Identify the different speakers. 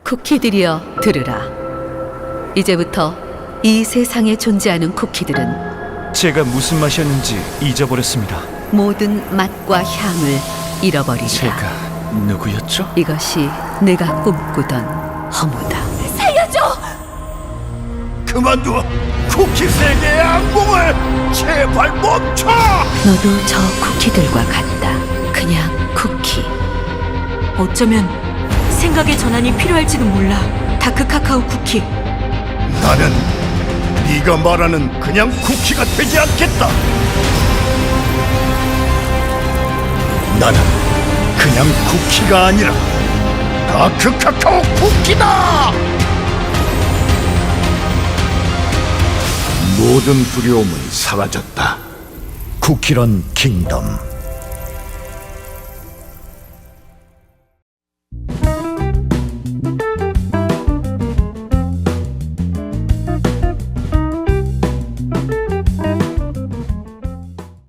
Speaker 1: 쿠키들이여 들으라. 이제부터 이 세상에 존재하는 쿠키들은
Speaker 2: 제가 무슨 맛이었는지 잊어버렸습니다.
Speaker 1: 모든 맛과 향을 잃어버리리라.
Speaker 2: 제가 누구였죠?
Speaker 1: 이것이 내가 꿈꾸던 허무다. 살려줘!
Speaker 3: 그만둬! 쿠키 세계의 악몽을 제발 멈춰!
Speaker 1: 너도 저 쿠키들과 같다. 그냥 쿠키.
Speaker 4: 어쩌면 생각의 전환이 필요할지도 몰라. 다크 카카오 쿠키.
Speaker 3: 나는 네가 말하는 그냥 쿠키가 되지 않겠다. 나는 그냥 쿠키가 아니라 다크 카카오 쿠키다. 모든 두려움은 사라졌다. 쿠키런 킹덤.